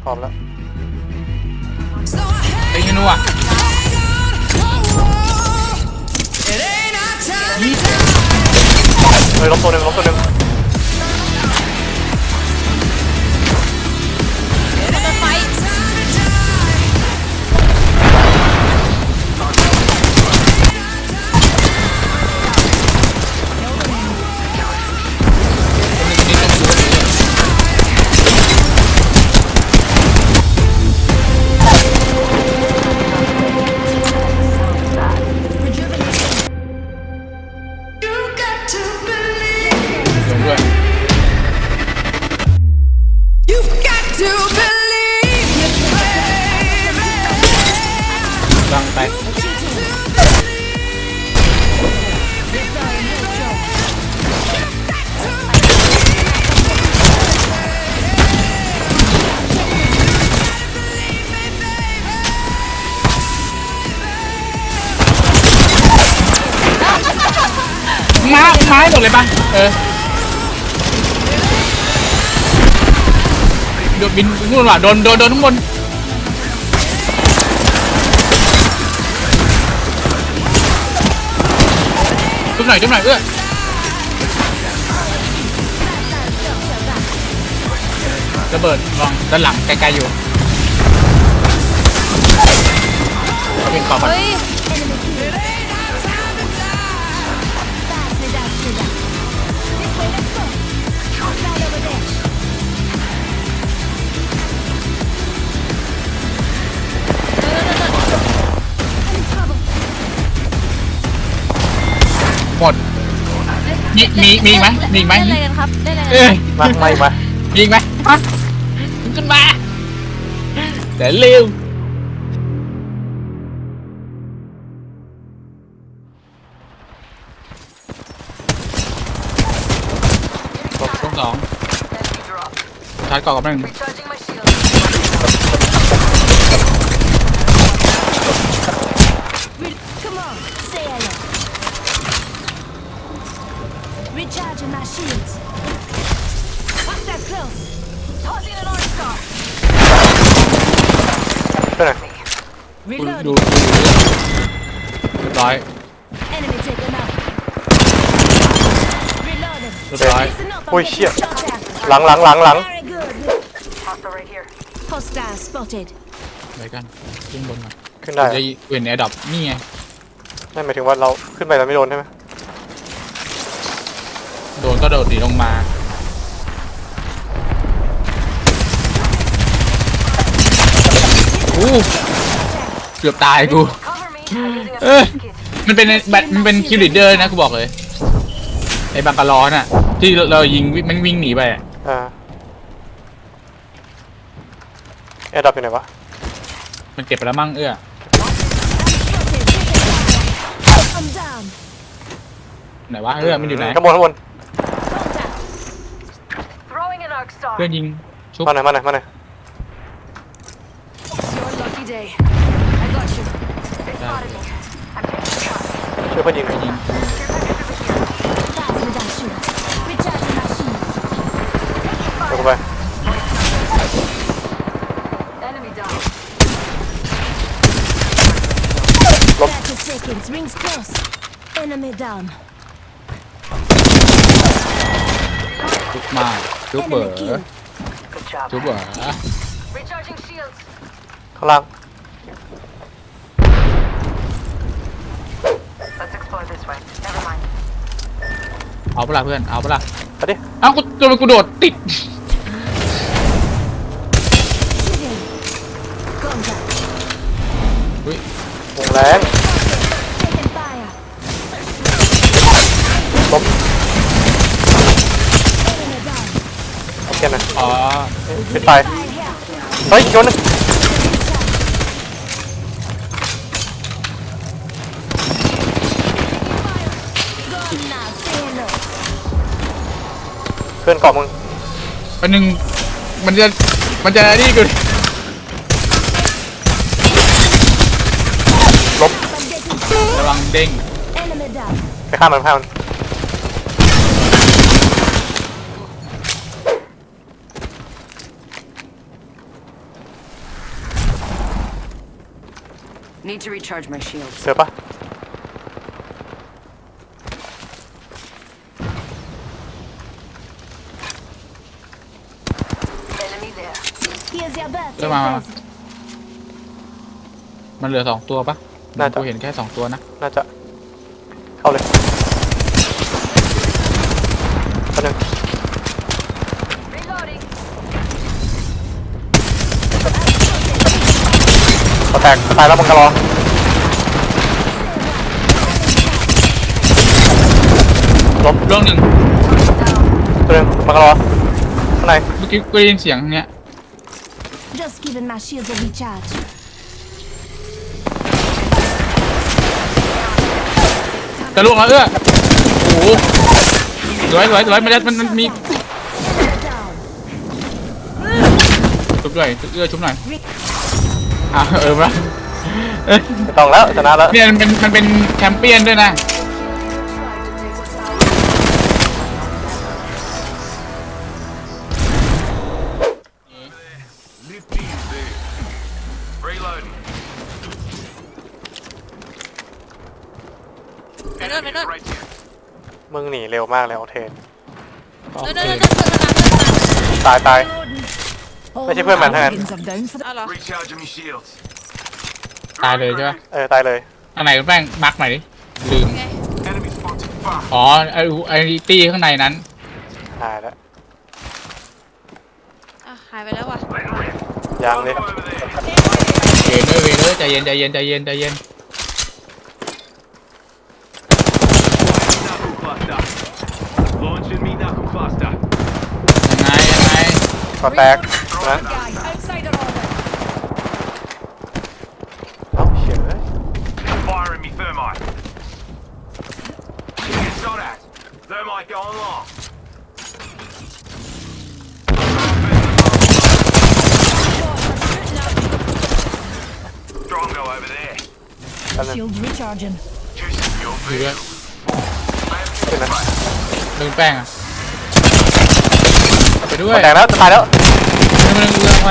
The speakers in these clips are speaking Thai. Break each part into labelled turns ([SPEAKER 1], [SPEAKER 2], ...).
[SPEAKER 1] พร้อมแล้ว
[SPEAKER 2] ไอ้เงี้ยนัว
[SPEAKER 1] เฮ้ยล้มตัวหนึ่งล้มตัวหนึ่ง
[SPEAKER 2] กำลังไปม้หมดเลยปะโดนบินนู่นว่ะโดนข้างบนจุ๊บหน่อยระเบิดลองด้านหลังไกลๆอยู่เป็นขอบมันหมดมีอีกไหมมีอีกไหม
[SPEAKER 3] ได้อะไรกันครับได้อะไรกัน
[SPEAKER 1] มาไม่มา
[SPEAKER 2] มีอีกไหมฮะขึ้นมาแต่เร็วช่วงสองชาร์จก่อนกับหนึ่ง
[SPEAKER 3] Recharging my shields. Watch that close. Tossing an orange star.
[SPEAKER 1] ไปไหน
[SPEAKER 2] ดู
[SPEAKER 3] Reloading.
[SPEAKER 2] เรียบร้อย
[SPEAKER 3] Enemy taken out. Reloading.
[SPEAKER 2] เรียบร้อย
[SPEAKER 3] Listen up.
[SPEAKER 1] โอ้ย
[SPEAKER 3] I'm
[SPEAKER 1] เชี่ย
[SPEAKER 3] getting shot at.
[SPEAKER 1] หลัง
[SPEAKER 3] Very good. Hostile spotted.
[SPEAKER 2] ไปกันขึ้นบนมา
[SPEAKER 1] ขึ้นได้
[SPEAKER 2] จะเว้นแอร์ดรอปนี่ไง
[SPEAKER 1] ไม่หมายถึงว่าเราขึ้นไปแล้วไม่โดนใช่ไหม
[SPEAKER 2] โดนก็โดดหนีลงมาเกือบตายกูมันเป็นคิวลิเดอร์นะกูบอกเลยไอ้บังกะลอน่ะที่เรายิงมันวิ่งหนีไปอ่ะ
[SPEAKER 1] แอร์ดับอยู่ไหนวะ
[SPEAKER 2] มันเก็บไปแล้วมั่ง
[SPEAKER 3] I'm down.
[SPEAKER 2] ไหนวะมันอยู่ไหน
[SPEAKER 1] ข้างบน
[SPEAKER 3] Throwing an arc star.
[SPEAKER 2] เพื่อนยิงชุบ
[SPEAKER 1] มาหน่อย
[SPEAKER 3] Your lucky day. I got you. They spotted me. I'm taking a shot.
[SPEAKER 1] ช่วยเพื่อนยิง
[SPEAKER 2] ยิง
[SPEAKER 3] Plasma dash shield. Recharging my shields.
[SPEAKER 1] เดี๋ยวกูไป
[SPEAKER 3] Enemy down. 30 seconds. Rings close. Enemy down.
[SPEAKER 2] ชุบมาชุบเบอ
[SPEAKER 3] Enemy
[SPEAKER 2] ร์
[SPEAKER 3] kill.
[SPEAKER 2] ชุบเบอร์
[SPEAKER 3] Recharging shields.
[SPEAKER 1] ข้างล่าง
[SPEAKER 3] Let's explore this way. Never mind.
[SPEAKER 2] เอาเปล่าเพื่อนเอาเปล่า
[SPEAKER 1] ไปดิ
[SPEAKER 2] เอ้ากูโดดติด
[SPEAKER 3] Shooting. Contact.
[SPEAKER 2] อุ้ยว
[SPEAKER 1] งแรง
[SPEAKER 3] Taking fire.
[SPEAKER 1] ล้ม
[SPEAKER 3] Enemy down.
[SPEAKER 1] โอเคนะ
[SPEAKER 2] อ๋อ
[SPEAKER 1] ปิดไฟ
[SPEAKER 3] Fire here.
[SPEAKER 1] เฮ้ยโยนนึง
[SPEAKER 3] Gone now. Say hello.
[SPEAKER 1] เพื่อนเกาะมึง
[SPEAKER 2] อันนึงมันจะนี่กู
[SPEAKER 1] ล้ม
[SPEAKER 3] I'm getting shot.
[SPEAKER 2] ระวังเด้ง
[SPEAKER 3] Enemy down.
[SPEAKER 1] ไปฆ่ามัน
[SPEAKER 4] Need to recharge my shields.
[SPEAKER 1] เจอปะ
[SPEAKER 4] Enemy there.
[SPEAKER 3] Here's your birthday
[SPEAKER 2] Come on.
[SPEAKER 3] present.
[SPEAKER 2] มันเหลือ2ตัวปะ
[SPEAKER 1] น่าจะ
[SPEAKER 2] กูเห็นแค่2ตัวนะ
[SPEAKER 1] น่าจะเข้าเลยคนหนึ่ง
[SPEAKER 4] Reloading.
[SPEAKER 1] ก็แตกตายแล้วบังกะรอล้ม
[SPEAKER 2] ร่วงหนึ่ง
[SPEAKER 1] ตัวหนึ่งบังกะรอข้างใน
[SPEAKER 2] เมื่อกี้กูได้ยินเสียงเนี้ย
[SPEAKER 3] Just giving my shields a recharge.
[SPEAKER 2] จะล่วงแล้วโอ้โหสวยมันมี
[SPEAKER 3] Down.
[SPEAKER 2] ชุบด้วยชุบหน่อยมา
[SPEAKER 1] ไม่ต้องแล้วชนะแล้ว
[SPEAKER 2] เนี่ยมันเป็นแชมเปี้ยนด้วยนะ
[SPEAKER 5] Reloading.
[SPEAKER 6] ไปโน่นไปโน่น
[SPEAKER 5] Right here.
[SPEAKER 1] มึงหนีเร็วมากเลยโอเทน
[SPEAKER 2] โอ
[SPEAKER 6] โน่น
[SPEAKER 2] เค
[SPEAKER 6] โน่นโน่นโน่น
[SPEAKER 1] ตาย
[SPEAKER 3] All
[SPEAKER 1] Where's your quick man,
[SPEAKER 3] my
[SPEAKER 1] hang on.
[SPEAKER 3] organs are down for the
[SPEAKER 6] เอาเหรอ
[SPEAKER 5] Recharging my shields.
[SPEAKER 2] ตายเลยใช่ปะ
[SPEAKER 1] ตายเลย
[SPEAKER 2] อันไหนแป้งมาร์กใหม่ดิลืม
[SPEAKER 6] ไง
[SPEAKER 5] Enemy spotted. Far.
[SPEAKER 2] อ๋อไอ้ตี้ข้างในนั้น
[SPEAKER 1] ตายแล้ว
[SPEAKER 6] อ่ะหายไปแล้วว่ะ
[SPEAKER 1] ยังเลย
[SPEAKER 5] Over there.
[SPEAKER 2] เวเลยใจเย็น
[SPEAKER 5] Knuckle cluster. Launching me knuckle cluster.
[SPEAKER 2] ยังไง
[SPEAKER 1] ก็แตกนะ
[SPEAKER 3] guy outside our orbit.
[SPEAKER 1] เอ้าเฉียเลย
[SPEAKER 5] Firing me thermite. Get shot at. Thermite going long. Strongo over there.
[SPEAKER 1] แป๊บนึง
[SPEAKER 3] Shields recharging.
[SPEAKER 5] Juicing your
[SPEAKER 2] อยู่ด้วย
[SPEAKER 1] ขึ้นนะ
[SPEAKER 2] ลืมแป้งอ่ะไปด้วย
[SPEAKER 1] ก็แตกแล้วจะตายแล้ว
[SPEAKER 2] ไม่เรื่องไป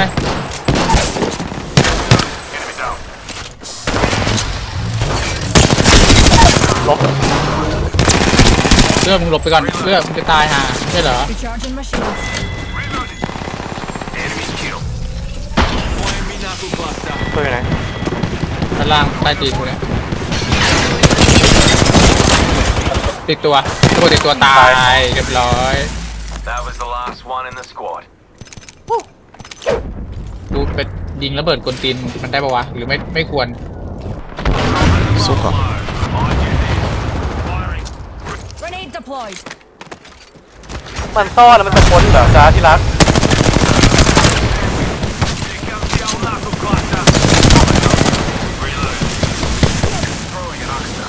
[SPEAKER 5] enemy down.
[SPEAKER 1] ล้ม
[SPEAKER 2] มึงหลบไปก่อนมึงจะตายห่าใช่เหรอ
[SPEAKER 3] Recharging my shields.
[SPEAKER 5] Reloading. Enemy killed. Firing me knuckle cluster.
[SPEAKER 1] ตัวอยู่ไหน
[SPEAKER 2] ด้านล่างใต้ตีนกูเนี่ยติดตัวตายเรียบร้อย
[SPEAKER 5] That was the last one in the squad.
[SPEAKER 2] กูไปยิงระเบิดกลตีนมันได้ปะวะหรือไม่ควร
[SPEAKER 5] Super. Behind you there. Firing.
[SPEAKER 3] Grenade deployed.
[SPEAKER 1] มันซ่อนแล้วมันจะพ้นเหรอจ้าที่รัก
[SPEAKER 5] Here comes the old knuckle cluster. Reload. Throwing an oxter.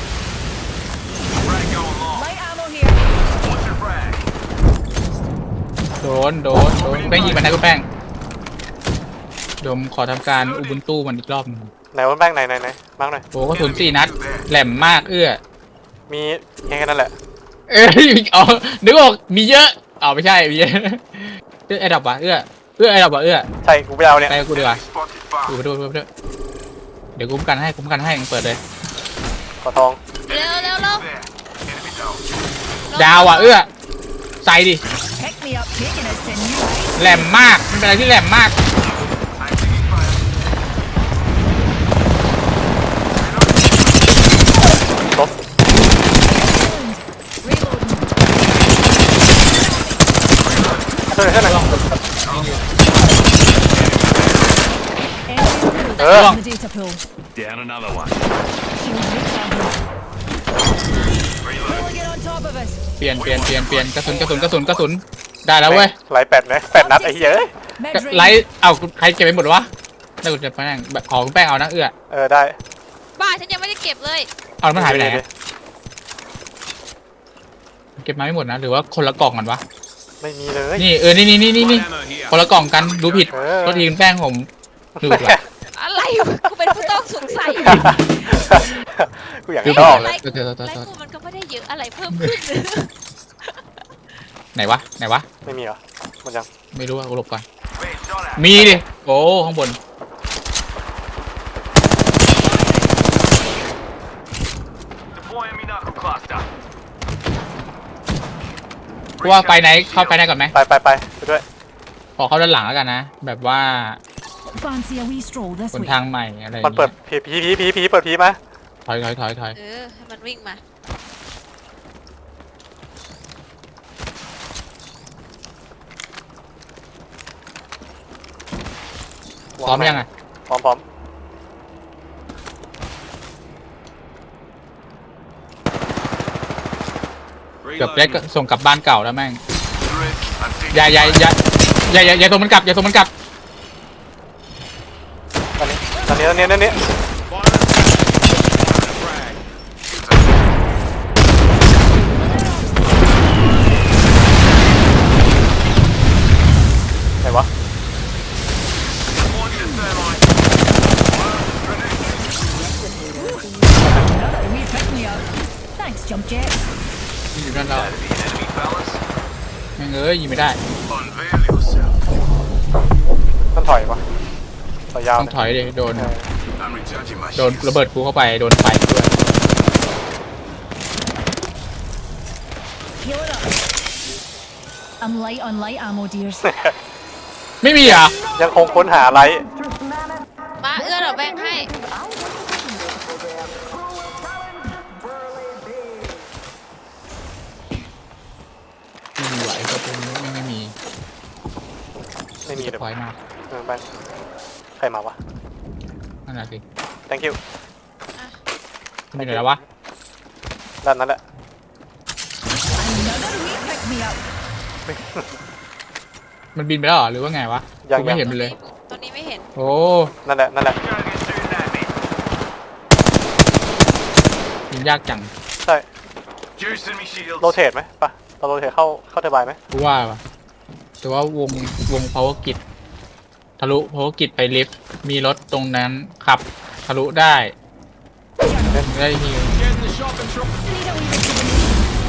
[SPEAKER 5] Frag going long.
[SPEAKER 3] Light ammo here.
[SPEAKER 5] What's your frag?
[SPEAKER 2] โดนแป้งยิงมันนะกูแป้งเดี๋ยวผมขอทำการอุบุนตู้มันอีกรอบหนึง
[SPEAKER 1] ไหนวันแป้งไหนมาร์กหน่อย
[SPEAKER 2] โอ้กระสุน4 นัดแหลมมาก
[SPEAKER 1] มีแค่นั้นแหละ
[SPEAKER 2] อ๋อนึกออกมีเยอะไม่ใช่มีเยอะไอ้ดับวะไอ้ดับวะ
[SPEAKER 1] ใช่กูไปเอาเนี่ย
[SPEAKER 2] ไปกูดีกว่า
[SPEAKER 5] Spotted far.
[SPEAKER 2] กูไปด้วยเดี๋ยวคุ้มกันให้เปิดเลย
[SPEAKER 1] ขอทอง
[SPEAKER 6] เร็ว
[SPEAKER 5] There. Enemy down.
[SPEAKER 2] ดาวใส่ดิ
[SPEAKER 3] Pick me up, taking us to new heights.
[SPEAKER 2] แหลมมากมันเป็นอะไรที่แหลมมาก
[SPEAKER 5] I'm taking fire.
[SPEAKER 1] ล้ม
[SPEAKER 3] Reloading.
[SPEAKER 1] ตัวไหนขึ้นไหน
[SPEAKER 3] Enemy
[SPEAKER 1] Ugh.
[SPEAKER 3] in the data pool.
[SPEAKER 5] Down another one.
[SPEAKER 3] Shields recharging.
[SPEAKER 5] Reload.
[SPEAKER 3] Pulling it on top of us.
[SPEAKER 2] เปลี่ยนกระสุนได้แล้วเว้ย
[SPEAKER 1] ไล่8 นะ8 นัดไอ้เหี้ย
[SPEAKER 3] Med
[SPEAKER 2] ไลท์ใครเก็บไปหมดวะได้กูจะแป้งขอคุณแป้งเอานะ
[SPEAKER 1] ได้
[SPEAKER 6] บ้าฉันยังไม่ได้เก็บเลย
[SPEAKER 2] เอามันหายไปไหนเก็บมาไม่หมดนะหรือว่าคนละกล่องกันวะ
[SPEAKER 1] ไม่มีเลย
[SPEAKER 2] นี่นี่
[SPEAKER 5] Light ammo here.
[SPEAKER 2] คนละกล่องกันดูผิดก็ทีมแป้งผมดูผิดว่ะ
[SPEAKER 6] อะไรวะกูเป็นผู้ต้องสงสัย
[SPEAKER 1] กูอยาก
[SPEAKER 2] ดู
[SPEAKER 1] ได้
[SPEAKER 2] ผิ
[SPEAKER 1] อ
[SPEAKER 2] ด
[SPEAKER 1] อกเลย
[SPEAKER 6] ไลฟ์กูมันก็ไม่ได้เยอะอะไรเพิ่มขึ้น
[SPEAKER 2] ไหนวะ
[SPEAKER 1] ไม่มีเหรอหมดยัง
[SPEAKER 2] ไม่รู้ว่ากูหลบก่อน
[SPEAKER 5] Being shot at.
[SPEAKER 2] มีดิโอ้ข้างบนกูว่าไฟไหนเข้าไฟไหนก่อนไหม
[SPEAKER 1] ไปด้วย
[SPEAKER 2] ขอเข้าด้านหลังแล้วกันนะแบบว่า
[SPEAKER 3] Fancy a wee stroll this
[SPEAKER 2] หน
[SPEAKER 3] way.
[SPEAKER 2] ทางใหม่อะไรอย่าง
[SPEAKER 1] มันเปิ
[SPEAKER 2] เงี้
[SPEAKER 1] ด
[SPEAKER 2] ย
[SPEAKER 1] ผีเปิดผีมา
[SPEAKER 2] ถอย
[SPEAKER 6] ให้มันวิ่งมา
[SPEAKER 2] พร้อมยังอ่ะ
[SPEAKER 1] พร้อม
[SPEAKER 2] เกือบได้
[SPEAKER 5] Reloading.
[SPEAKER 2] ส่งกลับบ้านเก่าแล้วแม่ง
[SPEAKER 5] Grid. I'm taking
[SPEAKER 2] อย่าส่งมันกลับอย่าส่งมันกลับ
[SPEAKER 1] ตอนนี้
[SPEAKER 5] fire. Frag.
[SPEAKER 1] ไหนวะ
[SPEAKER 5] Launching thermite.
[SPEAKER 3] Another wee pick me up. Thanks, jump jet.
[SPEAKER 2] อยู่ด้านเรา
[SPEAKER 5] Enemy, enemy, fellas.
[SPEAKER 2] แม่งยิงไม่ได้
[SPEAKER 5] Unveil yourself.
[SPEAKER 1] ต้องถอยวะถอยยาว
[SPEAKER 2] ต้องถอยเลยโดน
[SPEAKER 5] I'm recharging my
[SPEAKER 2] โดน
[SPEAKER 5] shields.
[SPEAKER 2] ระเบิดกูเข้าไปโดนไฟด้วย
[SPEAKER 3] Heal it up. I'm light on light ammo, dears.
[SPEAKER 2] ไม่มีเหรอ่ะ
[SPEAKER 1] ยังคงค้นหาไลท์
[SPEAKER 6] มาเอื้อเราแบ่งให้
[SPEAKER 2] ไม่มีไหวก็เป็นไม่มี
[SPEAKER 1] ไม่มีเลย
[SPEAKER 2] ถอยมา
[SPEAKER 1] ไปใครมาวะ
[SPEAKER 2] นั่นแหละสิ
[SPEAKER 1] thank you
[SPEAKER 2] มีไหนแล้ววะ
[SPEAKER 1] ด้านนั้นแหละ
[SPEAKER 3] Another wee pick me up.
[SPEAKER 2] มันบินไปแล้วเหรอหรือว่าไงวะ
[SPEAKER 1] ยัง
[SPEAKER 2] กูไม่เห็นมันเลย
[SPEAKER 6] ตอนนี้ไม่เห็น
[SPEAKER 2] โอ้
[SPEAKER 1] นั่นแหละ
[SPEAKER 5] Gotta get shooting at me.
[SPEAKER 2] ยิงยากจัง
[SPEAKER 1] ใช่
[SPEAKER 5] Juicing me shields.
[SPEAKER 1] โรเทตไหมปะเราโรเทตเข้าเทอร์ไบน์ไหม
[SPEAKER 2] กูว่าวะแต่ว่าวง power grid ทะลุ power grid ไปลิฟต์มีรถตรงนั้นขับทะลุได้ได้ฮิว
[SPEAKER 5] Get in the shopping truck.
[SPEAKER 3] Need a wee rejuvenation.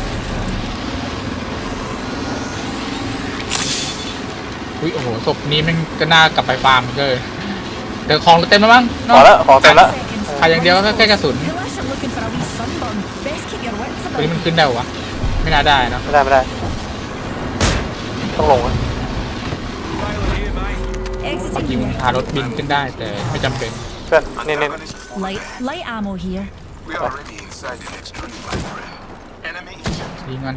[SPEAKER 2] อุ้ยโอ้โหศพนี้มันก็น่ากลับไปฟาร์มเลยเดี๋ยวของเต็มแล้วมั้ง
[SPEAKER 1] ขอแล้วของเต็มแล้ว
[SPEAKER 3] Seconds.
[SPEAKER 2] ขาดอย่างเดียวก็แค่กระสุน
[SPEAKER 3] Unless you're looking for a wee sunburn, best keep your wits
[SPEAKER 2] ตัวนี้
[SPEAKER 3] about.
[SPEAKER 2] มันขึ้นได้เหรอวะไม่น่าได้เนอะ
[SPEAKER 1] ไม่ได้ต้องลงอะ
[SPEAKER 5] Trailer here, mate.
[SPEAKER 2] จริง
[SPEAKER 3] Exiting here.
[SPEAKER 2] พารถบินขึ้นได้แต่ไม่จำเป็น
[SPEAKER 1] เพื่อนนี่
[SPEAKER 3] Light ammo here.
[SPEAKER 5] We are already inside the next ring, my friend. Enemy.
[SPEAKER 2] ยิงมัน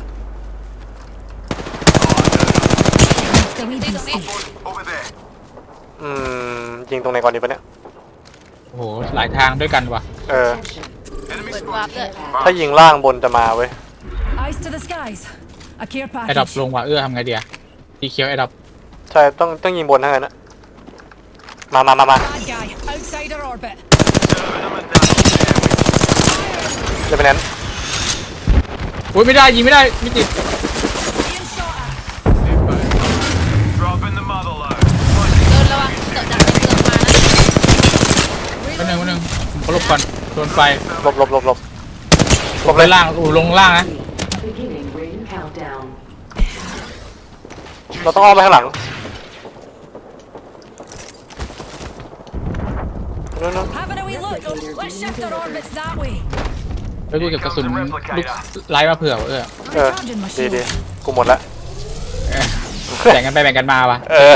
[SPEAKER 3] The wee beastie.
[SPEAKER 5] Over there.
[SPEAKER 1] ยิงตรงไหนก่อนดีปะเนี่ย
[SPEAKER 2] โอ้โหหลายทางด้วยกันว่ะ
[SPEAKER 1] เออ
[SPEAKER 5] Enemy
[SPEAKER 6] เปิดวาร์ปด้วย
[SPEAKER 1] ถ้ายิงล่างบนจะมาเว้ย
[SPEAKER 3] Eyes to the skies. A care
[SPEAKER 2] ไอ้ดับ
[SPEAKER 3] package.
[SPEAKER 2] ลงว่ะทำไงเดียตีเคียวไอ้ดับ
[SPEAKER 1] ใช่ต้องยิงบนทั้งนั้นนะมา
[SPEAKER 3] Bad guy. Outside our orbit.
[SPEAKER 5] serving them and down.
[SPEAKER 1] จะเป็นนั้น
[SPEAKER 2] อุ้ยไม่ได้ยิงไม่ได้ไม่ติด
[SPEAKER 3] Being shot at.
[SPEAKER 5] Dropping the mother load.
[SPEAKER 6] เดินระวังเกิดดักเกิดมานะ
[SPEAKER 2] วันหนึ่งผมหลบก่อนโดนไฟ
[SPEAKER 1] หลบ
[SPEAKER 2] หลบไปล่างลงล่างนะ
[SPEAKER 4] Beginning ring countdown.
[SPEAKER 1] เราต้องอ้อมไปข้างหลังนู่น
[SPEAKER 3] Having a wee look. Let's shift our orbits that way.
[SPEAKER 2] แล้วดูเก็บกระสุนลูกไล่มาเผื่อว่ะ
[SPEAKER 3] Recharging my
[SPEAKER 1] ดี
[SPEAKER 3] shield.
[SPEAKER 1] กูหมดละ
[SPEAKER 2] แบ่งกันไปแบ่งกันมาว่ะ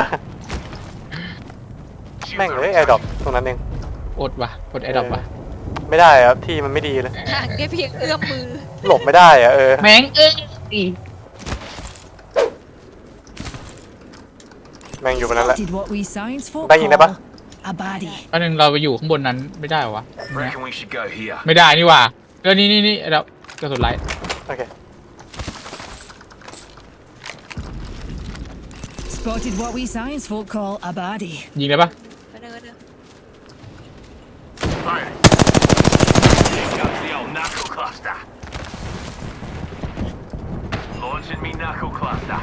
[SPEAKER 1] แม่งเลยแอร์ดรอปตรงนั้นเอง
[SPEAKER 2] อดว่ะอดไอ้ดับว่ะ
[SPEAKER 1] ไม่ได้อะที่มันไม่ดีเลย
[SPEAKER 6] ห่างแค่เพียงเอื้อมมือ
[SPEAKER 1] หลบไม่ได้อะ
[SPEAKER 2] แม่ง
[SPEAKER 1] แม่งอยู่บนนั้นแหละ
[SPEAKER 3] Spotted what we science folk
[SPEAKER 1] ได้ยินได้ปะ
[SPEAKER 3] call a baddie.
[SPEAKER 2] อันนึงเราไปอยู่ข้างบนนั้นไม่ได้วะ
[SPEAKER 5] Reckon we should go here.
[SPEAKER 2] ไม่ได้นี่ว่ะนี่ไอ้ดับกระสุนไล่
[SPEAKER 1] โอเค
[SPEAKER 3] Spotted what we science folk call a baddie.
[SPEAKER 2] ยิงเลยปะ
[SPEAKER 6] ไปเดิน
[SPEAKER 5] Fire. Here comes the old knuckle cluster. Launching me knuckle cluster.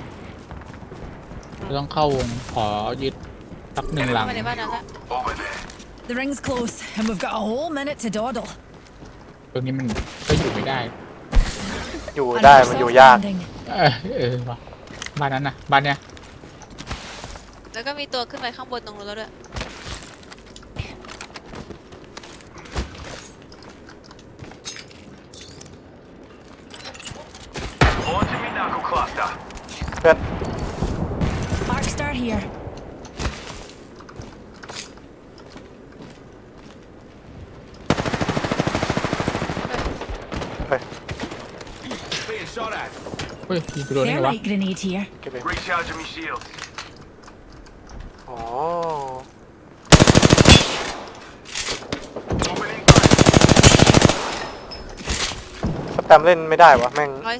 [SPEAKER 2] เราต้องเข้าวงขอยึดสักหนึ่งหลัง
[SPEAKER 6] มาในบ้านนั้นละ
[SPEAKER 5] Over there.
[SPEAKER 3] The ring's close, and we've got a whole minute to dawdle.
[SPEAKER 2] ตรงนี้มันก็อยู่ไม่ได้
[SPEAKER 1] อยู่ได้มันอยู่ยาก
[SPEAKER 3] landing.
[SPEAKER 2] ว่ะบ้านนั้นนะบ้านเนี้ย
[SPEAKER 6] แล้วก็มีตัวขึ้นไปข้างบนตรงนู้นแล้วด้วย
[SPEAKER 5] Launching me knuckle
[SPEAKER 1] เพื่อน
[SPEAKER 3] Arc star here.
[SPEAKER 1] เฮ้ย
[SPEAKER 5] Being shot at.
[SPEAKER 2] เฮ้ยยิงกูโดนได้ไงวะ
[SPEAKER 3] Thermite grenade here.
[SPEAKER 1] เก็บเอง
[SPEAKER 5] Recharging me shields.
[SPEAKER 1] อ๋อ
[SPEAKER 5] Opening fire.
[SPEAKER 1] สแตมเล่นไม่ได้วะแม่ง
[SPEAKER 6] 115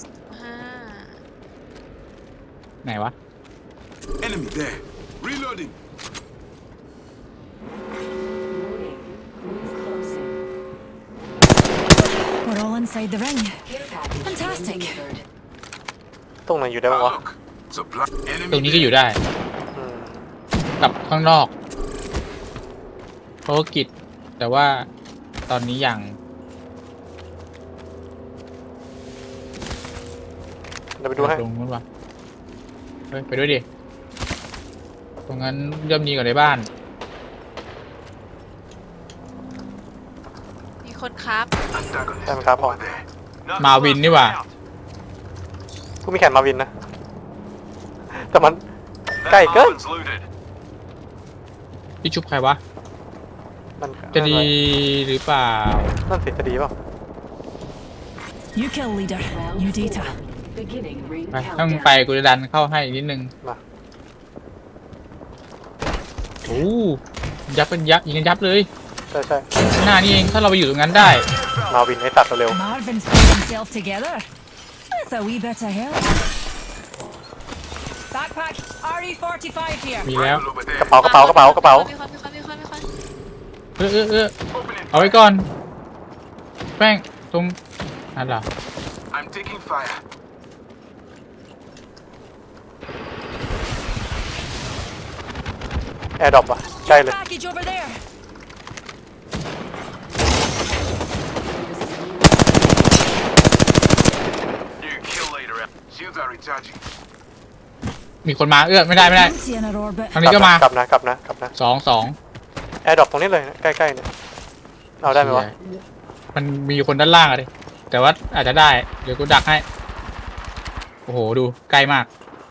[SPEAKER 2] ไหนวะ
[SPEAKER 5] Enemy there. Reloading.
[SPEAKER 4] Warning. Rings closing.
[SPEAKER 3] We're all inside the ring.
[SPEAKER 4] Care package
[SPEAKER 3] Fantastic.
[SPEAKER 4] delivered.
[SPEAKER 1] ตรงไหนอยู่ได้บ้างวะ
[SPEAKER 5] Supply.
[SPEAKER 2] ตรง
[SPEAKER 5] Enemy
[SPEAKER 2] นี้ก็อยู่ได้
[SPEAKER 1] อืม
[SPEAKER 2] กับข้างนอกภารกิจแต่ว่าตอนนี้ยัง
[SPEAKER 1] เดี๋ยวไปดูให้
[SPEAKER 2] ตรงนู้นวะเฮ้ยไปด้วยดิตรงนั้นย่อมดีกว่าในบ้าน
[SPEAKER 6] มีคนครับ
[SPEAKER 1] ใช่ไหมครับพอ
[SPEAKER 2] มาวินนี่หว่า
[SPEAKER 1] กูมีแขนมาวินนะ แต่มันใกล้เกิน
[SPEAKER 2] พี่ชุบใครวะ
[SPEAKER 1] มัน
[SPEAKER 2] จะดีหรือเปล่า
[SPEAKER 1] นั่นสิจะดีเปล่า
[SPEAKER 3] You kill leader.
[SPEAKER 4] Round
[SPEAKER 3] New
[SPEAKER 4] 4.
[SPEAKER 3] data.
[SPEAKER 4] Beginning ring
[SPEAKER 2] ไปถ้ามึงไป
[SPEAKER 4] countdown.
[SPEAKER 2] กูจะดันเข้าให้อีกนิดนึง
[SPEAKER 1] มา
[SPEAKER 2] โอ้ยับเป็นยับยิงกันยับเลย
[SPEAKER 1] ใช่ใช่
[SPEAKER 2] หน้านี่เองถ้าเราไปอยู่ตรงนั้นได้
[SPEAKER 1] มาวินให้ตัดเร็ว
[SPEAKER 3] Marvin's pulled himself together. With a wee bit of help. Backpack. RE45 here.
[SPEAKER 2] มีแล้ว
[SPEAKER 1] ๆกระเป๋ากระเป๋ากระเป๋ากระเป๋า
[SPEAKER 6] มีคน
[SPEAKER 2] เอาไว้ก่อน แป้งตรงนั่นเหรอ
[SPEAKER 5] I'm taking fire.
[SPEAKER 1] แอร์ดรอปอ่ะใกล้เลย
[SPEAKER 3] Package over there.
[SPEAKER 5] New kill leader out. Shields are recharging.
[SPEAKER 2] มีคนมาไม่ได้
[SPEAKER 3] Empty in our orbit.
[SPEAKER 2] ทางนี้ก็มาก
[SPEAKER 1] ลับนะกลับนะกลับนะ
[SPEAKER 2] สอง
[SPEAKER 1] แอร์ดรอปตรงนี้เลยนะใกล้ๆเนี่ยเอาได้ไหมวะ
[SPEAKER 2] มันมีคนด้านล่างอะดิแต่ว่าอาจจะได้ เดี๋ยวกูดักให้ โอ้โห ดูใกล้มาก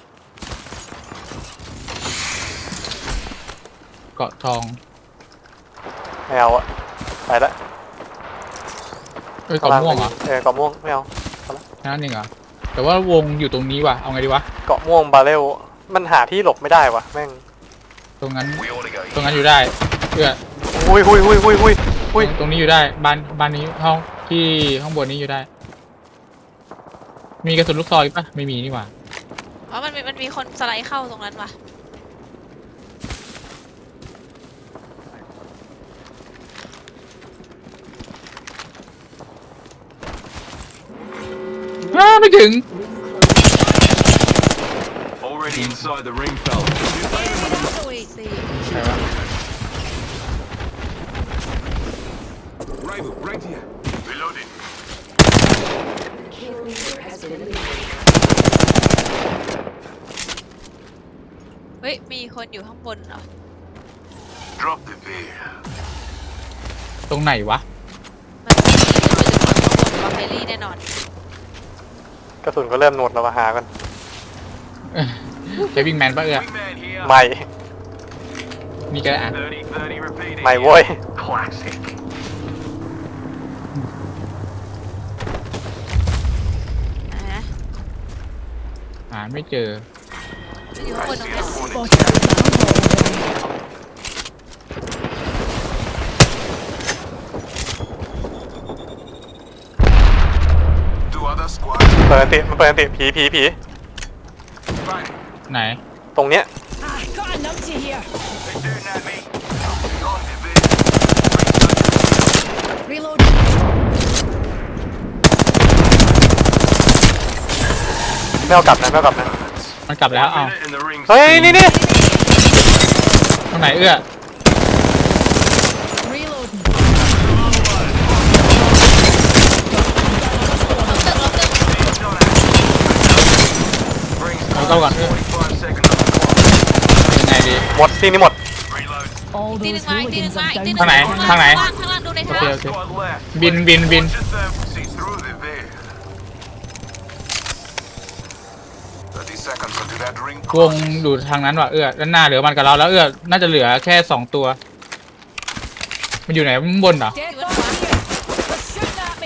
[SPEAKER 2] เกาะทอง
[SPEAKER 1] ไม่เอาอะไปละ
[SPEAKER 2] เอ้ยเกาะม่วงเหรอ
[SPEAKER 1] เกาะม่วงไม่เอา
[SPEAKER 2] นั่นเองเหรอ แต่ว่าวงอยู่ตรงนี้ว่ะ เอาไงดีวะ
[SPEAKER 1] เกาะม่วงบาเรลมันหาที่หลบไม่ได้วะแม่ง
[SPEAKER 2] ตรงนั้น
[SPEAKER 5] We ought to go.
[SPEAKER 2] ตรงนั้นอยู่ได้เพื่อ
[SPEAKER 1] หุย
[SPEAKER 2] ตรงนี้อยู่ได้ บ้านนี้ห้องที่ข้างบนนี้อยู่ได้ มีกระสุนลูกซองอีกปะไม่มีนี่หว่า
[SPEAKER 6] อ๋อมันมีคนสไลด์เข้าตรงนั้นว่ะ
[SPEAKER 2] ไม่ถึง
[SPEAKER 5] Already inside the ring, fella.
[SPEAKER 6] สี่
[SPEAKER 2] ใช่ปะ
[SPEAKER 5] Rival, right here. Reloading.
[SPEAKER 4] Kill leader has been eliminated.
[SPEAKER 6] เฮ้ยมีคนอยู่ข้างบนเหรอ
[SPEAKER 5] Drop the veil.
[SPEAKER 2] ตรงไหนวะ
[SPEAKER 6] มันมีที่มันอยู่ข้างบนวอลเฟลลี่แน่นอน
[SPEAKER 1] กระสุนก็เริ่มหนวดเรามาหากัน
[SPEAKER 2] เจวิ่งแมนปะ
[SPEAKER 5] Wingman here.
[SPEAKER 1] ใหม่
[SPEAKER 2] มีกระอ่ะ
[SPEAKER 5] 30-30 repeating.
[SPEAKER 1] ใหม่โว้ย
[SPEAKER 5] Classic.
[SPEAKER 6] นะ
[SPEAKER 2] หาไม่เจอ
[SPEAKER 6] มันอยู่ข้างบนตรงเนี้ย
[SPEAKER 3] Spotted the down hole.
[SPEAKER 5] Two other squads.
[SPEAKER 1] เปิดอันติมันเปิดอันติผี
[SPEAKER 5] Fine.
[SPEAKER 2] ไหน
[SPEAKER 1] ตรงเนี้ย
[SPEAKER 3] Ah, got a numpty here.
[SPEAKER 5] They're shooting at me. On the veil.
[SPEAKER 3] Reloading.
[SPEAKER 1] ไม่เอากลับนะไม่เอากลับนะ
[SPEAKER 2] มันกลับแล้ว
[SPEAKER 5] 1
[SPEAKER 2] เอา
[SPEAKER 5] minute and the ring's
[SPEAKER 1] เฮ้ยนี่
[SPEAKER 2] ตรงไหน
[SPEAKER 3] Reloading.
[SPEAKER 2] เอาเข้าก่อน
[SPEAKER 5] 45 seconds on the clock.
[SPEAKER 2] ยังไงดี
[SPEAKER 1] หมดที่นี่หมด
[SPEAKER 5] Reload.
[SPEAKER 3] All
[SPEAKER 6] ตีหนึ่
[SPEAKER 3] those
[SPEAKER 6] งมาอีกตีหนึ่ง
[SPEAKER 3] hooligans
[SPEAKER 6] มา
[SPEAKER 3] are
[SPEAKER 6] อีกตีห
[SPEAKER 3] down.
[SPEAKER 6] นึ่ง
[SPEAKER 2] ทางไหน
[SPEAKER 6] ข้างล่างดูใน
[SPEAKER 2] โอ
[SPEAKER 6] ทาง
[SPEAKER 2] เคโอเค
[SPEAKER 5] Squad left.
[SPEAKER 2] บิน
[SPEAKER 5] Watch yourself. See through the veil. 30 seconds until
[SPEAKER 7] Gathering
[SPEAKER 2] วงอยู่ทางนั้นว่ะด้านหน้าเหลือมันกับเราแล้วน่าจะเหลือแค่2 ตัว มันอยู่ไหนมันบนเหรอ
[SPEAKER 3] Dead body here. They're shooting at me.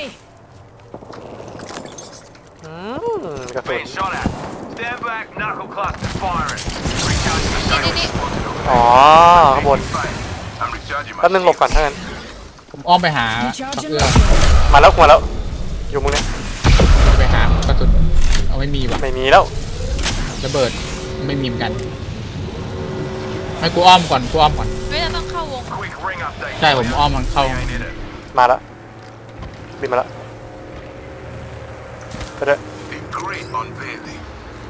[SPEAKER 1] กระสุน
[SPEAKER 5] Being shot at. Stand back, knuckle cluster firing. Recharging my
[SPEAKER 6] นี่
[SPEAKER 5] shields.
[SPEAKER 1] อ๋อข้างบน
[SPEAKER 7] I'm recharging
[SPEAKER 1] แป๊บนึงหลบก่อน
[SPEAKER 7] my
[SPEAKER 1] ถ้างั้น
[SPEAKER 2] ผมอ้อมไปหา
[SPEAKER 3] Recharging
[SPEAKER 2] เอื้อ
[SPEAKER 3] my shield.
[SPEAKER 1] มาแล้วมาแล้ว อยู่มุมเนี้ย
[SPEAKER 2] ไปหากระสุนเอาไม่มีว่ะ
[SPEAKER 1] ไม่มีแล้ว
[SPEAKER 2] ระเบิดไม่มีเหมือนกันให้กูอ้อมก่อน
[SPEAKER 6] เฮ้ยเราต้องเข้าวง
[SPEAKER 5] Quick ring update.
[SPEAKER 2] ใช่ผมอ้อมมันเข้า
[SPEAKER 5] We ain't in it.
[SPEAKER 1] มาแล้วบินมาแล้วไปเด้อ
[SPEAKER 7] A great unveiling.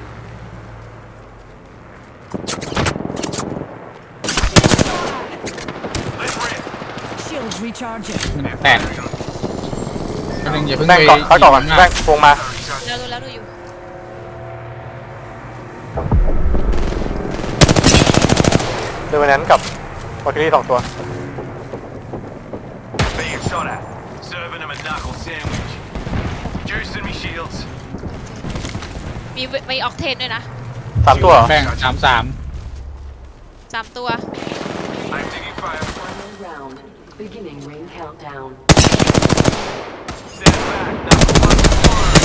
[SPEAKER 5] Let's rip.
[SPEAKER 3] Shields recharging.
[SPEAKER 2] แตกก็นึงอย่าเพิ่ง
[SPEAKER 1] แบง
[SPEAKER 2] ไป
[SPEAKER 1] ก่อนเขาก่อน
[SPEAKER 2] ยิง
[SPEAKER 1] แบ
[SPEAKER 2] มาง
[SPEAKER 1] วงมา
[SPEAKER 6] เราดูแล้วดูอยู่
[SPEAKER 1] เดยววันนั้นกับวอลคิรี่2 ตัว
[SPEAKER 5] Being shot at. Serving him a knuckle sandwich. Juicing me shields.
[SPEAKER 6] มีออกเทนด้วยนะ
[SPEAKER 1] 3 ตัวเหรอ
[SPEAKER 2] แบ่ง3
[SPEAKER 6] 3 ตัว
[SPEAKER 5] I'm taking fire.
[SPEAKER 4] Final round. Beginning ring countdown.
[SPEAKER 5] Stand back, knuckle cluster firing.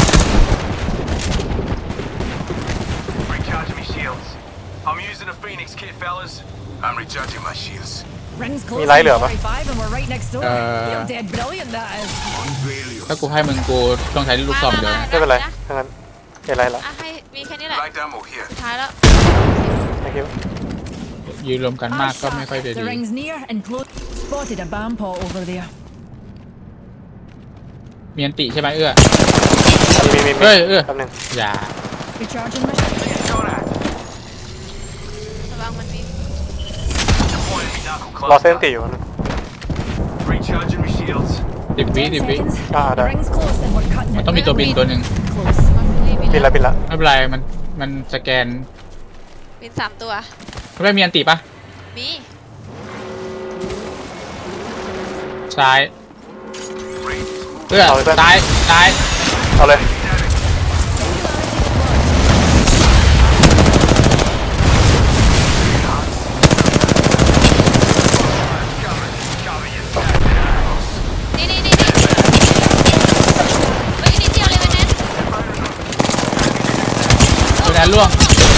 [SPEAKER 5] Recharging me shields. I'm using a Phoenix kit, fellas.
[SPEAKER 7] I'm recharging my shields.
[SPEAKER 3] Rings
[SPEAKER 1] มี
[SPEAKER 3] close
[SPEAKER 1] ไลท์เหลือปะ
[SPEAKER 3] 45 and we're right next door. You're dead brilliant, that is.
[SPEAKER 7] Unveil
[SPEAKER 2] 3ถ้ากูให้มึงกูต้องใช้ลูกซองเดียว
[SPEAKER 1] ไม่เป็นไรถ้างั้นเห็นไรละ
[SPEAKER 6] อ่ะให้มีแค่นี้แหละ
[SPEAKER 7] light ammo here.
[SPEAKER 6] สุดท้ายแล้ว
[SPEAKER 1] thank you
[SPEAKER 2] ยืนรวมกันมากก็ไม่ค่อยจะ
[SPEAKER 3] The
[SPEAKER 2] ดี
[SPEAKER 3] ring's near and close. Spotted a bomb pot over there.
[SPEAKER 2] มีอันติใช่ไหมมี
[SPEAKER 1] มี
[SPEAKER 2] เฮ้ย
[SPEAKER 1] แป๊บนึง
[SPEAKER 2] อย่า
[SPEAKER 3] Recharging my shield.
[SPEAKER 5] Being shot at.
[SPEAKER 6] ระวังมันมี
[SPEAKER 5] Deploying me knuckle
[SPEAKER 1] รอเส้น
[SPEAKER 5] cluster.
[SPEAKER 1] ตีอยู่นะ
[SPEAKER 5] Recharging me shields.
[SPEAKER 2] 10 วิ
[SPEAKER 3] 10
[SPEAKER 2] 10 วิ
[SPEAKER 3] seconds.
[SPEAKER 1] Ah,
[SPEAKER 3] The
[SPEAKER 1] dai.
[SPEAKER 3] ring's close and we're cutting
[SPEAKER 2] มัน
[SPEAKER 3] it.
[SPEAKER 2] ต้องมีตัวบินตัวหนึ่ง
[SPEAKER 3] Close.
[SPEAKER 1] บินละบินละ
[SPEAKER 2] ไม่เป็นไรมันสแกน
[SPEAKER 6] บิน3 ตัว
[SPEAKER 2] ไม่มีอันติปะ
[SPEAKER 6] มี
[SPEAKER 2] ซ้าย
[SPEAKER 7] Range is moving.
[SPEAKER 1] เอาเลยเพื่อน
[SPEAKER 2] ซ้าย
[SPEAKER 1] เอาเลย
[SPEAKER 6] นี่เฮ้ยนิดเดียวเลยวันนั้น
[SPEAKER 2] ตัวนั้นล่วง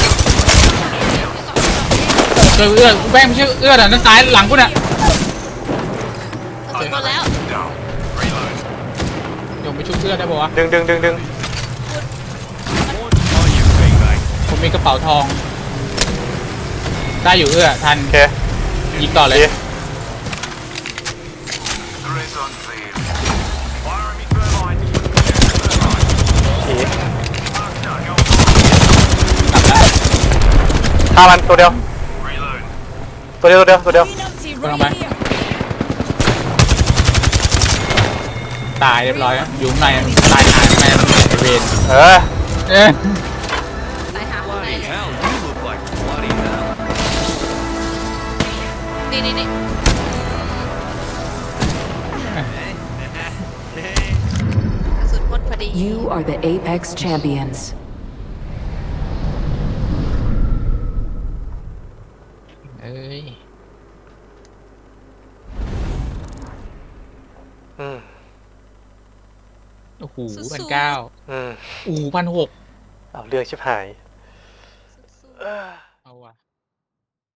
[SPEAKER 2] เจอแม่งไม่ใช่อ่ะนั่นซ้ายหลังกูเนี่ย
[SPEAKER 6] กระสุนหมดแล้ว
[SPEAKER 7] Down. Reload.
[SPEAKER 2] เดี๋ยวไปชุบได้ป่าวะ
[SPEAKER 1] ดึง
[SPEAKER 2] ผมมีกระเป๋าทอง ได้อยู่ทัน
[SPEAKER 1] โอเค
[SPEAKER 2] ยิงต่อเลย
[SPEAKER 1] ดี
[SPEAKER 7] Great unveiling.
[SPEAKER 5] Firing me thermite. Thermite.
[SPEAKER 1] ผี
[SPEAKER 5] Cluster, go
[SPEAKER 1] ฆ่ามันตัวเดียว
[SPEAKER 5] Reload.
[SPEAKER 1] ตัวเดียว
[SPEAKER 3] Green empty
[SPEAKER 2] Come on,
[SPEAKER 3] right
[SPEAKER 2] bye.
[SPEAKER 3] here.
[SPEAKER 2] ตายเรียบร้อยอยู่ข้างในตายหายข้างในมันไอเวน
[SPEAKER 1] เออ
[SPEAKER 2] เอ๊ะ
[SPEAKER 6] ตายหาข้างใน
[SPEAKER 5] Bloody
[SPEAKER 6] เลย
[SPEAKER 5] hell, you look like bloody hell.
[SPEAKER 6] นี่กระสุนหมดพอดี
[SPEAKER 4] You are the Apex champions.
[SPEAKER 2] เอ้ย
[SPEAKER 1] อืม
[SPEAKER 2] โอ้โห
[SPEAKER 6] สู้ๆ
[SPEAKER 2] 1,900
[SPEAKER 1] อืม
[SPEAKER 2] 1,600
[SPEAKER 1] เอาเรื่องชิบหาย
[SPEAKER 2] เอาว่ะ